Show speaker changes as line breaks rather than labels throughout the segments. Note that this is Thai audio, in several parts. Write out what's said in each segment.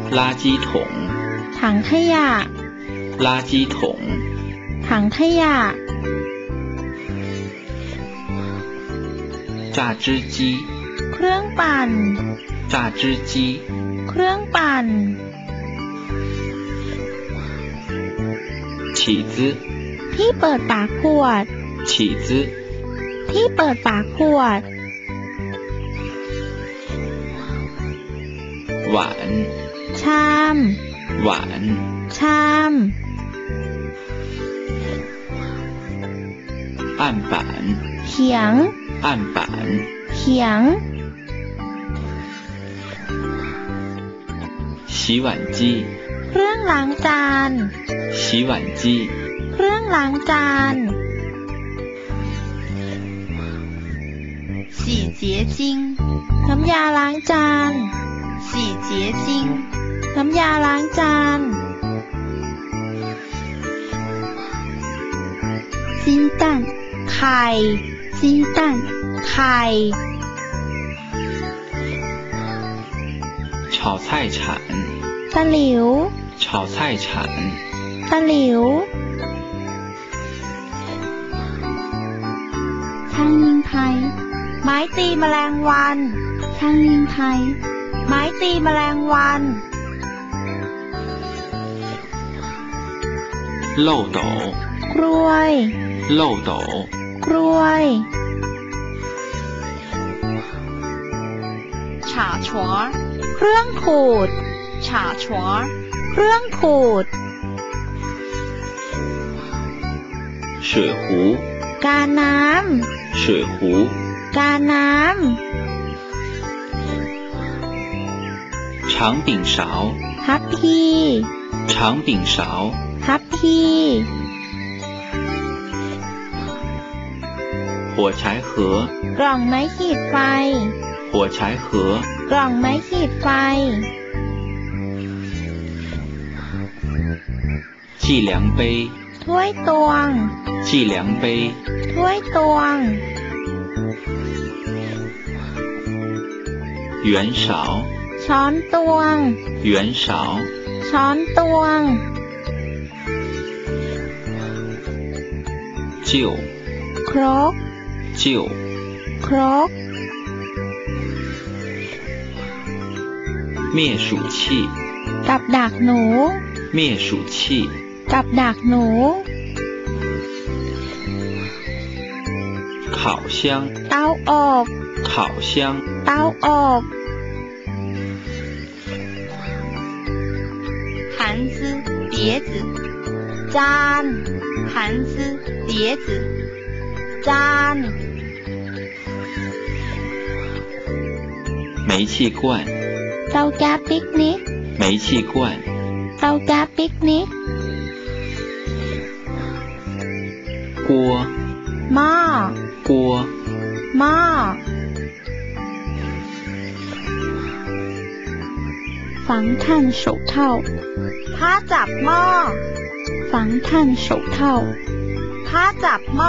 垃圾桶
ถังขยะ
垃圾桶
ถังขยะ
榨汁机
เครื่องปั่น
榨汁机
เครื่องปั่น
起子
ที่เปิดปากขวด
起子
ที่เปิดปากขวด
碗
ชาม
碗
ชาม
案板
เขียง
案板
เขียง
洗碗机
เครื่องล้างจาน
洗碗机
เครื่องล้างจาน
洗洁精
น้ำยาล้างจาน
洗洁精
น้ำยาล้างจาน
鸡蛋
ไข่
鸡蛋
ไข่
炒菜铲
ตะหลิว
炒菜铲
ตะหลิว
苍蝇拍
ไม้ตีแมลงวัน
苍蝇拍
ไม้ตีแมลงวัน
漏斗
กล้วย
漏斗
กล้วย
茶床
เครื่องขูด
茶床
เครื่องขูด
水壶
กาน้
水壶
ำกาน้
长柄勺
ำทัพพี
长柄勺
ทัพพี
火柴盒
กล่องไม้ขีดไฟ
火柴盒
กล่องไม้ขีดไฟ
计量杯
ถ้วยตวง
计量杯
ถ้วยตวง
圆勺
ช้อนตวง
圆勺
ช้อนตวง
臼
ครก
臼
ครก
灭鼠器
กับดักหนู
灭鼠器
กับดักหนู
烤箱
เตาอบ
烤箱
เตาอบ
盘子碟子
จาน
盘子碟子
จาน
煤气罐
เตาแก๊สปิกนิก
煤气罐
เตาแก๊สปิกนิก
锅
หม้อ
锅
หม้อ
防炭手套
ผ้าจับหม้อ
防炭手套
ผ้าจับหม้อ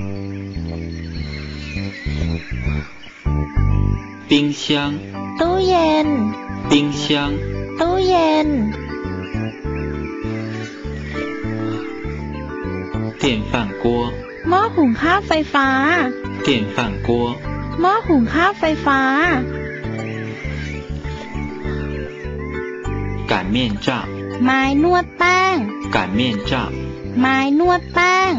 冰箱
ตู้เย็น
冰箱
ตู้เย็น
电饭锅
หม้อหุงข้าวไฟฟ้า
电饭锅
หม้อหุงข้าวไฟฟ้า
擀面杖
ไม้นวดแป้ง
擀面杖
ไม้นวดแป้ง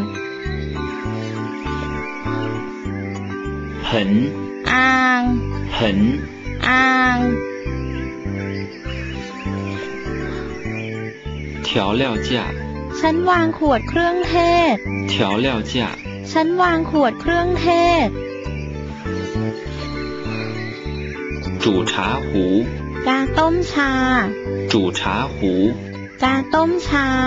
盆
อ่าง
盆
อ่าง
调料架
ฉันวางขวดเครื่องเทศ
调料架
ฉันวางขวดเครื่องเทศ
煮茶壶
กาต้มชา
煮茶壶
กาต้มชา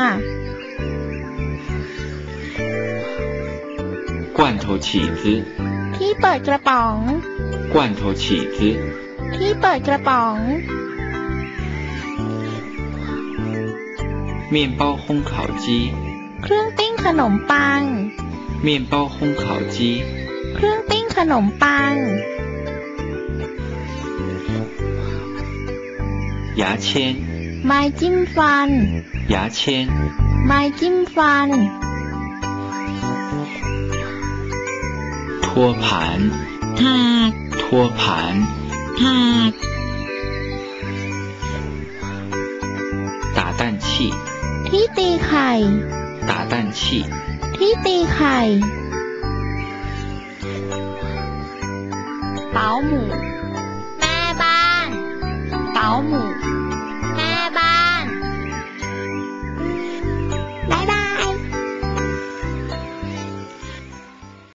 罐头起子
ที่เปิดกระป๋อง
罐头起子
ที่เปิดกระป๋อง
面包烘烤机
เครื่องปิ้งขนมปัง
面包烘烤机
เครื่องปิ้งขนมปัง
牙签
ไม้จิ้มฟัน
牙签，
ไม้จิ้มฟัน
托盘，
ถาก
托盘，
ถาก
打蛋器，
ที่ตีไข่
打蛋器，
ที่ตีไข่
保姆
แม่บ้าน
保姆